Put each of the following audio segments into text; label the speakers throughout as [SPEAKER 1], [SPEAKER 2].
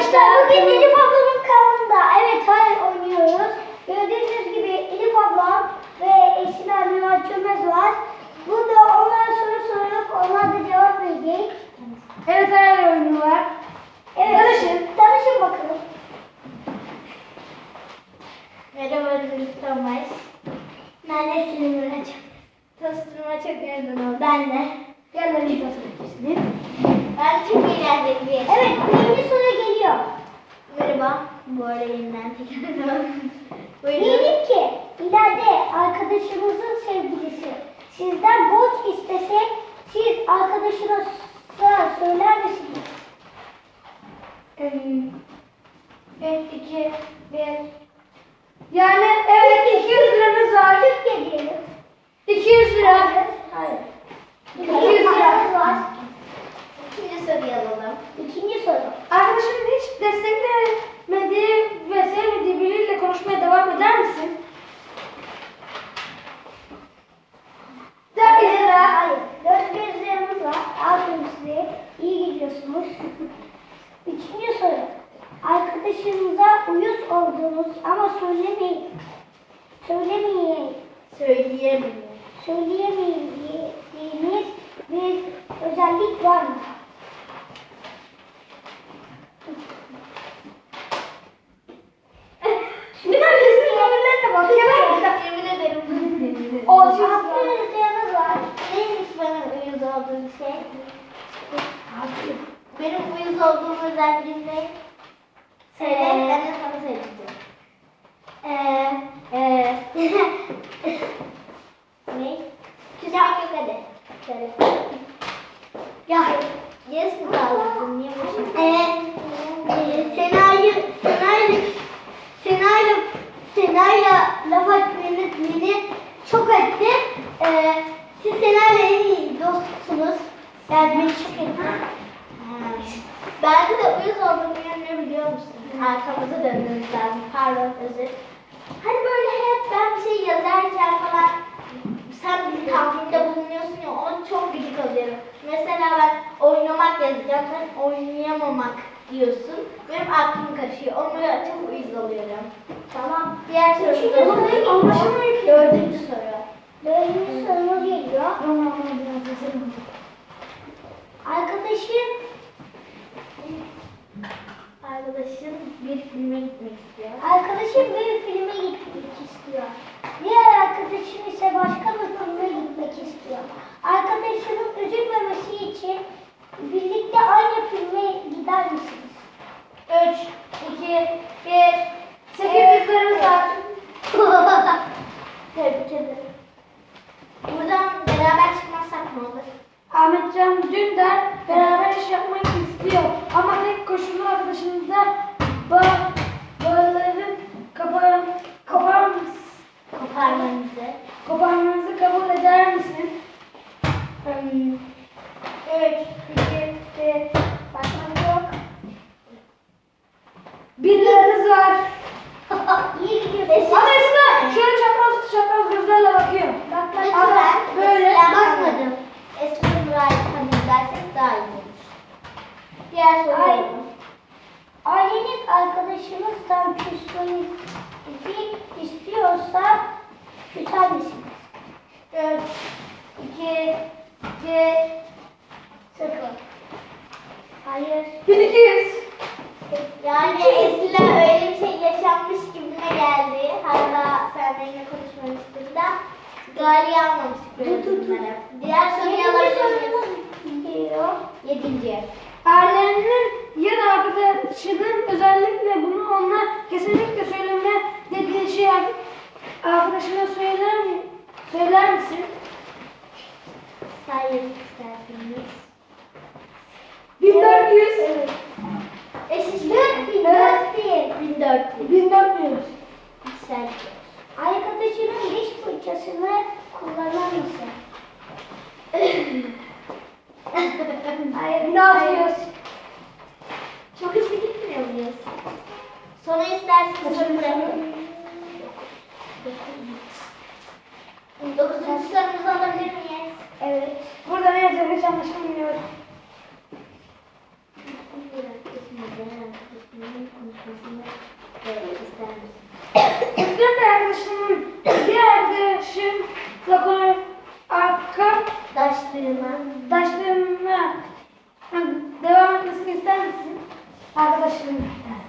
[SPEAKER 1] Arkadaşlar bugün Elif ablamın kanalında evet hayır oynuyoruz. Gördüğünüz gibi Elif ablam ve Esin annem Çömez var. Burada onlara soru sorup onlar da cevap verecek.
[SPEAKER 2] Evet hayır oyunu var.
[SPEAKER 1] Evet. Tanışın bakalım.
[SPEAKER 3] Merhaba Thomas.
[SPEAKER 1] Ben de filmini açacağım.
[SPEAKER 3] Tanıştırma çok memnun oldum.
[SPEAKER 1] Ben de.
[SPEAKER 2] Gel ben ilk oturayım.
[SPEAKER 3] Ben çok eğlenceli bir yaşam.
[SPEAKER 1] Evet birinci soru geliyor.
[SPEAKER 3] Merhaba. Bu arada yeniden tekrar Buyurun.
[SPEAKER 1] Diyelim ki ileride arkadaşınızın sevgilisi sizden borç istese siz arkadaşınıza söyler misiniz?
[SPEAKER 2] 3, 2, 1. Yani evet 200 liranız var.
[SPEAKER 1] Türkiye diyelim.
[SPEAKER 2] 200 lira.
[SPEAKER 1] Hayır.
[SPEAKER 2] 200 lira.
[SPEAKER 1] var.
[SPEAKER 3] İkinci soruyu alalım.
[SPEAKER 1] İkinci soru.
[SPEAKER 2] Arkadaşının hiç desteklemediği ve sevmediği biriyle konuşmaya devam eder misin? 400 lira.
[SPEAKER 1] Hayır. 400 liramız var. Aferin size. İyi gidiyorsunuz. Üçüncü soru. Arkadaşınıza uyuz olduğunuz ama söylemeyin. Söylemeyin.
[SPEAKER 3] Söyleyemiyorum.
[SPEAKER 1] Söyleyemeyeceğiniz bir özellik var mı?
[SPEAKER 2] Bunlar kesin birbirlerine bak.
[SPEAKER 3] Yemin ederim.
[SPEAKER 2] 600 lira.
[SPEAKER 1] 600 liramız var.
[SPEAKER 3] Neymiş bana uyuz olduğun şey? Benim uyuz olduğum özelliğim ne? Söyle, ben de sana söyleyeceğim. Ne? Küsmek yok hadi. Söyle.
[SPEAKER 1] Ya.
[SPEAKER 3] Yes mi kaldırdın? Niye boşuna?
[SPEAKER 1] Sena'yla laf etmeniz beni çok etti. Siz Sena'yla en iyi dostsunuz. Yani beni çok etti.
[SPEAKER 3] Bende de uyuz olduğum yönünü biliyor musun? Arkamıza dönmemiz lazım. Pardon, özür. Hani böyle hep ben bir şey yazarken falan sen bir tahminde bulunuyorsun ya, ona çok gıcık oluyorum. Mesela ben oynamak yazacağım, sen oynayamamak diyorsun. Benim aklım karışıyor. Onlara çok uyuz oluyorum.
[SPEAKER 1] Tamam.
[SPEAKER 3] Diğer sorumuza
[SPEAKER 1] Anlaşılmıyor ki.
[SPEAKER 3] Dördüncü soru.
[SPEAKER 1] Dördüncü sorumuz geliyor.
[SPEAKER 3] Arkadaşın bir filme gitmek istiyor.
[SPEAKER 1] Arkadaşım bir filme gitmek istiyor. Diğer arkadaşım ise başka bir filme gitmek istiyor. Arkadaşının üzülmemesi için birlikte aynı filme gider misiniz?
[SPEAKER 2] 3, 2, 1. 800 liramız var.
[SPEAKER 3] Tebrik ederim. Buradan beraber çıkmazsak ne olur?
[SPEAKER 2] Ahmetcan Dündar beraber iş yapmak istiyor. Ama tek koşulu arkadaşınızda bağların koparmanızı kabul eder misin? 3, 2, 1. Başlamak yok. 1 liranız var.
[SPEAKER 1] İyi gidiyorsun.
[SPEAKER 2] Ama Esra şöyle çapraz gözlerle bakıyor.
[SPEAKER 1] Bak
[SPEAKER 3] Lütfen
[SPEAKER 2] böyle
[SPEAKER 1] bakmadım.
[SPEAKER 3] Eski Nuray'ı tanıyın dersek daha iyi olur. Diğer soru
[SPEAKER 1] Ay.
[SPEAKER 3] alalım.
[SPEAKER 1] Aileniz arkadaşınızdan küsmenizi istiyorsa küser misiniz?
[SPEAKER 2] 4, 2, 1.
[SPEAKER 1] 0. Hayır.
[SPEAKER 2] 1200.
[SPEAKER 3] Yani Esra öyle bir şey yaşanmış gibime geldi. Hatta sen benimle konuşmamıştın da Gali'yi almamıştık böyle durumlara. Diğer soruyu alabilir miyiz?
[SPEAKER 1] Geliyor.
[SPEAKER 3] 7.
[SPEAKER 2] Ailenin ya da arkadaşının özellikle bunu ona kesinlikle söyleme dediği şey arkadaşına söyler misin?
[SPEAKER 3] Sayın isterseniz.
[SPEAKER 2] 1400.
[SPEAKER 1] Evet.
[SPEAKER 3] Eşitlik 1400.
[SPEAKER 2] 1400.
[SPEAKER 3] Güzel.
[SPEAKER 1] Arkadaşının diş fırçasını kullanır mısın?
[SPEAKER 2] Hayır, 1600.
[SPEAKER 3] Çok hızlı gitmiyor muyuz? Sona isterseniz soru bırakın. 9. sorumuzu alabilir miyiz?
[SPEAKER 1] Evet.
[SPEAKER 2] Burada ne yazıyor hiç anlaşılmıyor. Arkadaşım.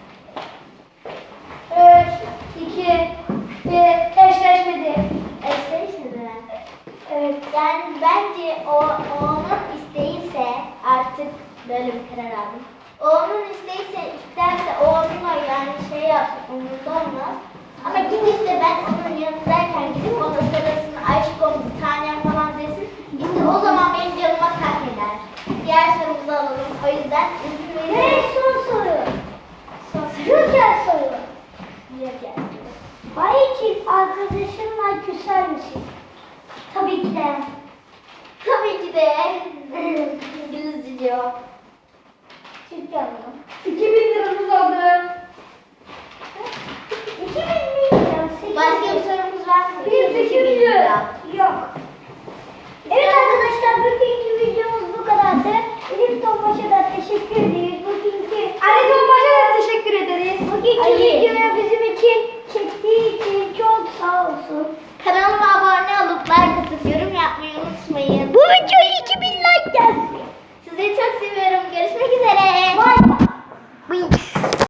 [SPEAKER 2] 3, 2, 1. Eşleşmedi.
[SPEAKER 3] Eşleşmedi.
[SPEAKER 2] Evet.
[SPEAKER 3] Yani bence o onun isteğiyse artık böyle bir karar aldım. O onun isterse o onunla yani şey yapsın umurunda olmaz. Ama gidip de ben onun yanındayken gidip ona sarılsın, aşkım bir tanem falan desin. İşte o zaman benim canıma tak eder. Diğer sorumuzu alalım. O yüzden izin
[SPEAKER 1] Ve
[SPEAKER 3] verin.
[SPEAKER 1] son soru.
[SPEAKER 3] Son soru.
[SPEAKER 1] Joker soru.
[SPEAKER 3] Yok gelsin.
[SPEAKER 1] Ay için arkadaşınla küser misin? Tabii ki de.
[SPEAKER 3] Tabii ki de. İngilizce cevap.
[SPEAKER 1] Türkçe alalım.
[SPEAKER 2] 2000 liramız oldu.
[SPEAKER 1] 2000 milyon.
[SPEAKER 3] Başka bir sorumuz var mı?
[SPEAKER 2] Bir seçim
[SPEAKER 1] Yok. Evet arkadaşlar bugünkü videomuz bu kadardı. Elif Tombaş'a da teşekkür ederiz. Bugünkü
[SPEAKER 2] Ali Tombaş'a da teşekkür ederiz.
[SPEAKER 1] Bugünkü videoya bizim için çektiği için çok sağ olsun.
[SPEAKER 3] Kanalıma abone olup like atıp yorum yapmayı unutmayın.
[SPEAKER 1] Bu videoya 2000 like gelsin.
[SPEAKER 3] Sizleri çok seviyorum. Görüşmek üzere.